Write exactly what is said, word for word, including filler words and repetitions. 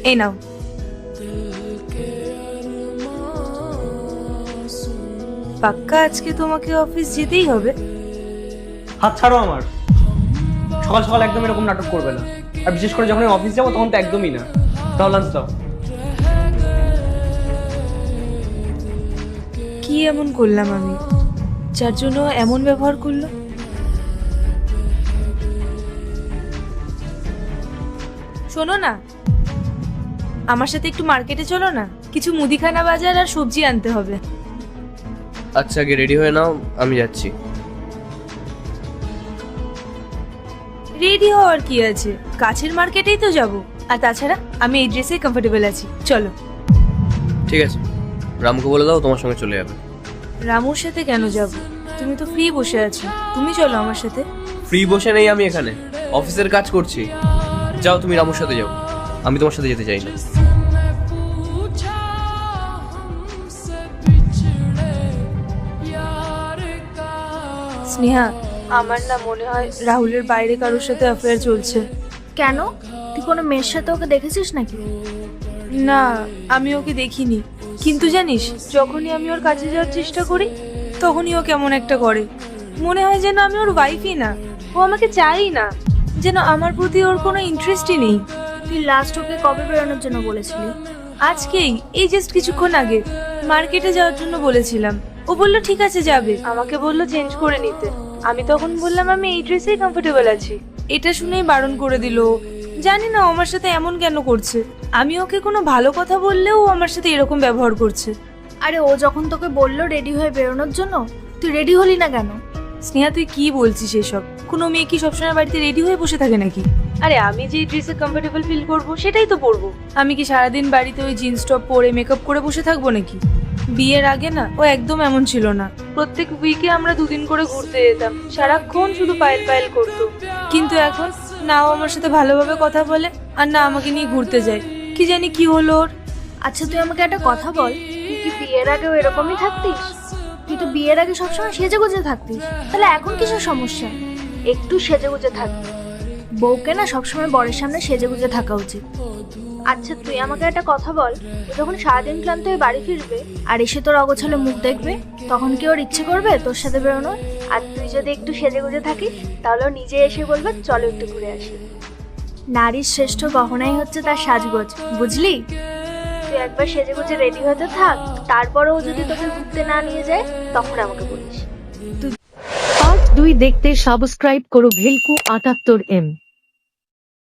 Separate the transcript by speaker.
Speaker 1: এই নাও। পাক্কা আজকে তোমাকে অফিস যেতেই হবে?
Speaker 2: হাত ছাড়ো আমার। সকাল সকাল একদম এরকম নাটক করবে না, আর বিশেষ করে যখন আমি অফিস যাবো তখন তো একদমই না। দাও লাঞ্চ দাও।
Speaker 1: কি এমন করলাম আমি যার জন্য এমন ব্যবহার করলো? শোনো না, আমার সাথে একটু মার্কেটে চলো না, কিছু মুদিখানা বাজার আর সবজি আনতে হবে।
Speaker 3: আচ্ছা, আগে রেডি হয়ে নাও, আমি যাচ্ছি।
Speaker 1: রেডি হওয়ার কি আছে, কাছের মার্কেটেই তো যাব। আর তাছাড়া আমি এই ড্রেসে কমফোর্টেবল আছি, চলো।
Speaker 3: ঠিক আছে, রামকে বলে দাও তোমার সঙ্গে চলে যাবে।
Speaker 1: রামুর সাথে কেন যাব? তুমি তো ফ্রি বসে আছো, তুমি চলো আমার সাথে।
Speaker 3: ফ্রি বসে নেই আমি এখানে, অফিসের কাজ করছি। যাও তুমি রামুর সাথে যাও, আমি তোমার সাথে যেতে চাই না।
Speaker 1: স্নেহা, আমার না মনে হয় রাহুলের বাইরে কারোর সাথে অ্যাফেয়ার চলছে।
Speaker 4: কেন? তুই কোনো মেয়ের সাথে ওকে দেখেছিস নাকি?
Speaker 1: না, আমি ওকে দেখিনি, কিন্তু জানিস যখনই আমি ওর কাছে যাওয়ার চেষ্টা করি তখনই ও কেমন একটা করে। মনে হয় যেন আমি ওর ওয়াইফই না, ও আমাকে চাই না, যেন আমার প্রতি ওর কোনো ইন্টারেস্টই নেই।
Speaker 4: তুই লাস্ট ওকে কবে বেরোনোর জন্য বলেছিলি?
Speaker 1: আজকেই, এই জাস্ট কিছুক্ষণ আগে মার্কেটে যাওয়ার জন্য বলেছিলাম। ও বললো ঠিক আছে যাবে, আমাকে বললো চেঞ্জ করে নিতে। আমি তখন বললাম আমি এই ড্রেসেই কমফোর্টেবল আছি। এটা শুনেই বারণ করে দিল। জানি না ও আমার সাথে এমন কেন করছে। আমি ওকে কোনো ভালো কথা বললেও ও আমার সাথে এরকম ব্যবহার করছে।
Speaker 4: আরে ও যখন তোকে বললো রেডি হয়ে বেরোনোর জন্য, তুই রেডি হলি না কেন?
Speaker 1: স্নেহা, তুই কি বলছিস এসব? কোনো মেয়ে কি সবসময় বাড়িতে রেডি হয়ে বসে থাকে নাকি? আরে আমি যে ড্রেসে কমফোর্টেবল ফিল করব সেটাই তো পরবো। আমি কি সারাদিন বাড়িতে ওই জিন্স টপ পরে মেকআপ করে বসে থাকবো নাকি? বিয়ের আগে না ও একদম এমন ছিল না। প্রত্যেক উইকে আমরা দুদিন করে ঘুরতে যেতাম, সারাক্ষণ শুধু পায়েল পায়েল করতো। কিন্তু এখন না ও আমার সাথে ভালোভাবে কথা বলে, আর না আমাকে নিয়ে ঘুরতে যায়। কি জানি কি হলো ওর।
Speaker 4: আচ্ছা তুই আমাকে একটা কথা বল, তুই কি বিয়ের আগেও এরকমই থাকতিস? তুই তো বিয়ের আগে সবসময় সেজে গুজে থাকতিস, তাহলে এখন কিসের সমস্যা? একটু সেজে গুজে থাকবি। বউকে না সবসময় বরের সামনে সেজে গুজে থাকা উচিত। আচ্ছা তুই আমাকে একটা কথা বল, ও যখন সারাদিন ক্লান্ত হয়ে বাড়ি ফিরবে আর এসে তোর অগোছালো মুখ দেখবে, তখন কি ওর ইচ্ছে করবে তোর সাথে বেরোনোর? আর তুই যদি একটু সেজে গুজে থাকিস তাহলে ও নিজে এসে বলবে চলো একটু ঘুরে আসি। নারীর শ্রেষ্ঠ গহনাই হচ্ছে তার সাজগোজ, বুঝলি? তুই একবার সেজে গুজে রেডি হতে থাক, তারপরেও যদি তোকে ঘুরতে না নিয়ে যায় তখন আমাকে বলিস।
Speaker 5: পার্ট দুই দেখতে সাবস্ক্রাইব করো ভেলকু আটাত্তর এম।